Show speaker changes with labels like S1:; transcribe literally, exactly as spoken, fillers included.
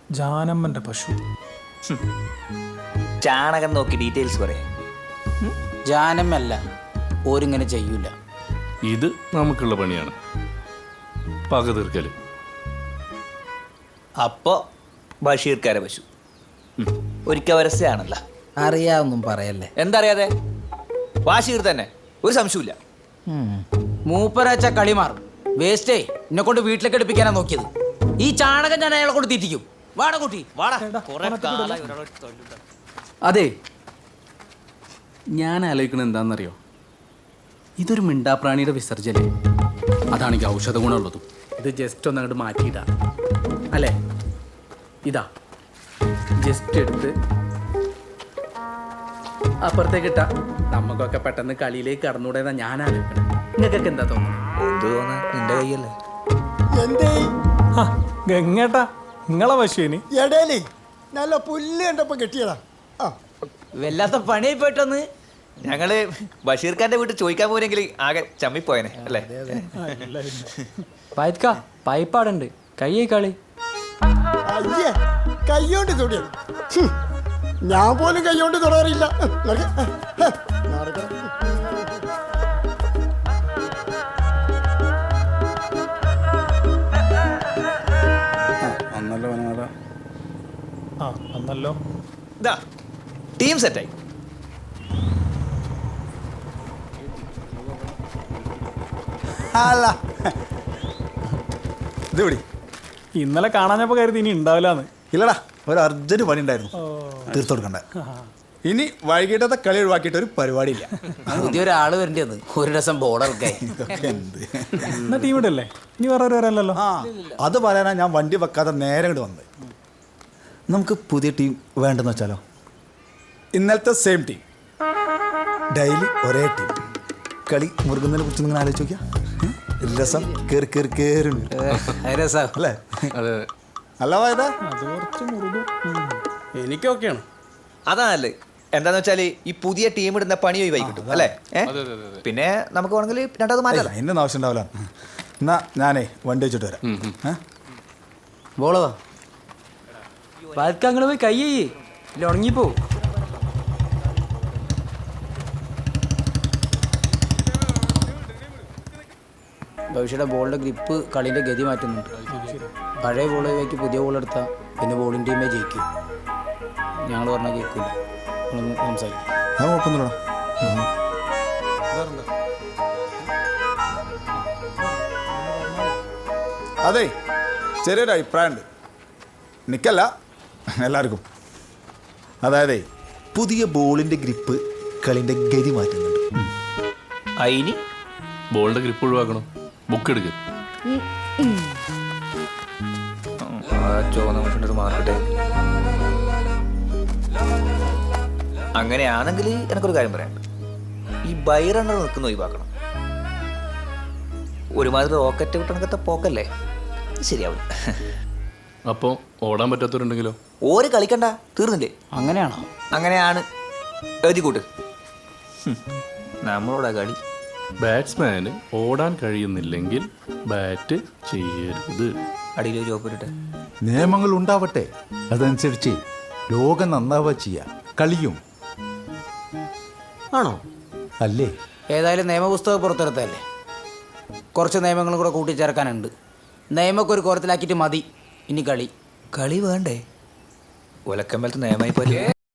S1: ജാനമ്മന്റെ പശു.
S2: ചാണകം നോക്കി ഡീറ്റെയിൽസ് പറയാം.
S3: ജാനമ്മല്ല, ഓരിങ്ങനെ ചെയ്യൂല.
S4: ഇത് നമുക്കുള്ള പണിയാണ്, പക തീർക്കല്.
S2: അപ്പോ ബഷീർക്കാരെ പശു ഒരിക്കൽ വരസയാണല്ലോ.
S3: അറിയാവൊന്നും പറയല്ലേ.
S2: എന്താ അറിയാതെ? ബഷീർ തന്നെ, ഒരു സംശയമില്ല.
S3: മൂപ്പരാച്ച കളി മാറും. വേസ്റ്റേ എന്നെ കൊണ്ട് വീട്ടിലേക്ക് എടുപ്പിക്കാനാ നോക്കിയത്. ഈ ചാണകം ഞാൻ അയാളെ കൊണ്ട് തീറ്റിക്കും. വാട കൂട്ടി വാടാ.
S5: അതെ, ഞാൻ ആലോചിക്കുന്നത് എന്താണെന്നറിയോ? ഇതൊരു മിണ്ടാപ്രാണിയുടെ വിസർജന, അതാണെങ്കിൽ ഔഷധ ഗുണമുള്ളതും. ഇത് ജസ്റ്റ് ഒന്ന് അങ്ങോട്ട് മാറ്റിയിട്ടാ അല്ലേ? ഇതാ ജസ്റ്റ് എടുത്ത് അപ്പുറത്തേക്ക് ഇട്ടാ നമുക്കൊക്കെ പെട്ടെന്ന് കളിയിലേക്ക് കടന്നുകൂടെന്നാ ഞാൻ ആലോചിക്കണം. നിങ്ങൾക്കൊക്കെ എന്താ തോന്നുന്നത്?
S2: എന്ത് തോന്നാ, നിന്റെ കയ്യല്ലേ.
S6: എന്തേ
S1: ഗംഗേട്ടാ, നിങ്ങളെ പശുവിന്
S6: എടേലേ നല്ല പുല്ല് കണ്ടപ്പോ കെട്ടിയതാ. ആ
S2: വല്ലാത്ത പണിയായി പോയിട്ടൊന്ന്. ഞങ്ങള് ബഷീർഖാന്റെ വീട്ടിൽ ചോദിക്കാൻ പോരെങ്കിൽ ആകെ ചമ്മിപ്പോയനെ അല്ലേ?
S7: പൈത്ക പൈപ്പാടുണ്ട്, കയ്യേ കളി.
S6: അയ്യേ, കയ്യോണ്ട് തൊടിയത്. ഹും, ഞാൻ പോലും കയ്യോണ്ട് തൊടാറില്ല. നടക്ക്. ഹ, നടക്കണം.
S5: ഒന്നല്ലോ വനമാല.
S1: ആ അന്നല്ലോ.
S2: ഇതാ ടീം സെറ്റായി.
S8: അല്ല ഇത് വിടി.
S1: ഇന്നലെ കാണാഞ്ഞപ്പോ കരുതി ഇനി ഉണ്ടാവില്ലാന്ന്.
S8: ഇല്ലടാ, ഒരു അർജന്റ് പണി ഉണ്ടായിരുന്നു, തീർത്തു കൊടുക്കണ്ട. ഇനി വൈകിട്ടത്തെ കളി ഒഴിവാക്കിയിട്ട് ഒരു പരിപാടിയില്ല.
S3: പുതിയൊരാള് വരേണ്ടത് ഒരു രസം ബോർഡൊക്കെ.
S8: ഇതൊക്കെ എന്ത്
S1: എന്നാ ടീം ഇടല്ലേ? ഇനി വേറെ ഒരു വരല്ലോ.
S8: ആ അത് പറയാനാ ഞാൻ വണ്ടി വെക്കാതെ നേരെ ഇങ്ങോട്ട് വന്നത്. നമുക്ക് പുതിയ ടീം വേണ്ടെന്ന് വെച്ചാലോ? ഇന്നലത്തെ സെയിം ടീം, ഡെയിലി ഒരേ ടീം. കളി മുറുകുന്നതിനെ കുറിച്ച് നിങ്ങൾ ആലോചിച്ച് നോക്കിയാ രസം കയറി കയറി കയറുണ്ട്
S3: രസം
S8: അല്ലേ?
S4: അതെ,
S8: അല്ല വായതാ,
S1: അത് കുറച്ച് മുറുകും.
S5: എനിക്കൊക്കെയാണ്.
S2: അതാണല്ലേ. എന്താന്ന് വെച്ചാല് ഈ പുതിയ ടീം ഇടുന്ന പണി ഒഴിവായി കിട്ടും അല്ലേ? പിന്നെ നമുക്ക് വേണമെങ്കിൽ രണ്ടാമത് മാറ്റാം.
S8: അതിൻ്റെ ആവശ്യം ഉണ്ടാവില്ല. എന്നാ ഞാനേ വണ്ടി വെച്ചിട്ട് വരാം. ഏഹ്
S3: ബോളോ
S7: പൈത്ക അങ്ങോട്ട് പോയി കയ്യേ, ഇല്ല ഉണങ്ങിപ്പോ.
S3: ഭവിഷ്യയുടെ ബോളിൻ്റെ ഗ്രിപ്പ് കളീൻ്റെ ഗതി മാറ്റുന്നുണ്ട്. പഴയ ബോൾ ഒഴിവാക്കി പുതിയ ബോൾ എടുത്താൽ പിന്നെ ബോളിംഗ് ടീമേ ജയിക്കും. ഞങ്ങൾ പറഞ്ഞാൽ കേൾക്കില്ല. നിങ്ങളൊന്ന് സംസാരിക്കും.
S8: അത് കുഴപ്പമൊന്നുമില്ലടാ. അതെ, ചെറിയൊരു അഭിപ്രായമുണ്ട്, നിക്കല്ല എല്ലാവർക്കും. അതായത് പുതിയ ബോളിൻ്റെ ഗ്രിപ്പ് കളിൻ്റെ ഗതി മാറ്റുന്നുണ്ട്.
S2: അയിനി
S4: ബോളിന്റെ ഗ്രിപ്പ് ഒഴിവാക്കണം. ബുക്ക് എടുക്ക്.
S2: ചുവന്ന മനുഷ്യൻ്റെ ഒരു മാർക്കട്ടെ. അങ്ങനെയാണെങ്കിൽ എനിക്കൊരു കാര്യം പറയാനുണ്ട്. ഈ ബൈ റണ്ണർ നിൽക്കുന്ന ഒഴിവാക്കണം. ഒരുമാതിരി റോക്കറ്റ് വിട്ടണക്കത്തെ പോക്കല്ലേ, ശരിയാവും.
S4: അപ്പോൾ ഓടാൻ പറ്റാത്തവരുണ്ടെങ്കിലോ?
S2: ഓര് കളിക്കണ്ട, തീർന്നില്ലേ?
S3: അങ്ങനെയാണോ?
S2: അങ്ങനെയാണ്. എഴുതി കൂട്ട്. നമ്മളോടാ കളി.
S4: ബാറ്റ്സ്മാന് ഓടാൻ കഴിയുന്നില്ലെങ്കിൽ ബാറ്റ് ചെയ്യരുത്.
S2: അടിയിൽ ചോപ്പിട്ടെ.
S8: നിയമങ്ങൾ ഉണ്ടാവട്ടെ, അതനുസരിച്ച് ലോകം നന്നാവുക ചെയ്യാം. കളിയും
S5: ആണോ?
S8: അല്ലേ?
S3: ഏതായാലും നിയമപുസ്തകം പുറത്തെടുത്തതല്ലേ, കുറച്ച് നിയമങ്ങളും കൂടെ കൂട്ടിച്ചേർക്കാനുണ്ട്. നിയമമൊക്കെ ഒരു കോരത്തിലാക്കിയിട്ട് മതി ഇനി കളി.
S2: കളി വേണ്ടേ? ഒലക്കമ്പലത്ത് നിയമായി പോലെ.